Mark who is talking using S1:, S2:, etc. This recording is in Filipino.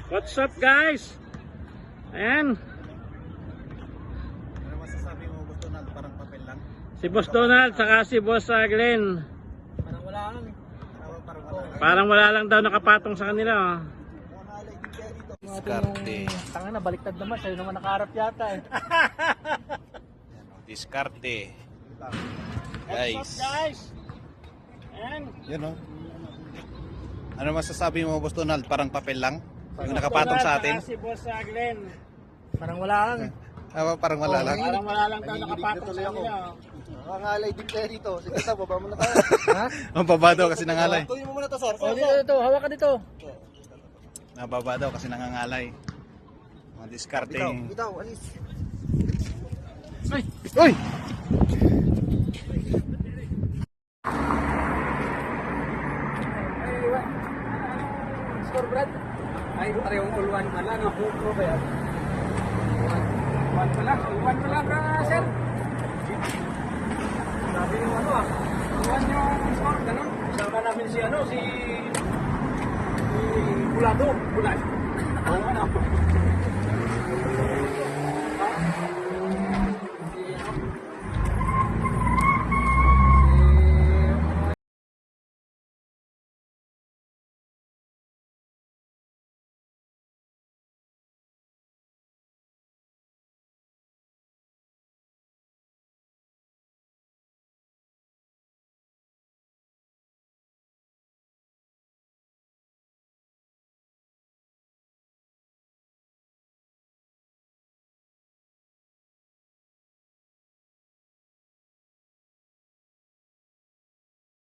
S1: What's up guys? Ayan.
S2: Ano masasabi mo, Boss Donald? Parang papel lang?
S1: Si Boss Donald saka si Boss Glenn.
S2: Parang wala lang. Parang wala lang.
S1: Parang wala lang daw nakapatong sa kanila. Oh.
S3: Diskarte.
S2: Tanga na, baliktad naman. Sa'yo naman nakaharap yata eh.
S3: Diskarte.
S1: What's up guys? Ayan.
S2: Yun o. Ano masasabi mo, Boss Donald? Parang papel lang? Yung nakapatong sa atin?
S1: Si Boss Glenn.
S2: Parang wala lang. Parang wala lang.
S1: Parang wala lang daw nakapatong sa kanila.
S4: Nangangalay din tayo dito. Sige, ito, baba mo na tayo.
S2: Ha? Ang baba daw kasi nangalay.
S4: Tuloy mo muna to, sir.
S2: O, dito, hawakan dito. Nababa daw kasi nangangalay. Mga diskarte.
S4: Bitaw, alis.
S2: Ay! Uy!
S4: Score, Brad. Ay, parehong all one pala. Pro ba yan? One pala. All one pala, sir. Sabi yung ano ah. All one yung score, ganun. Sama namin si ano, si Bulado. Bulad. Oo, ano.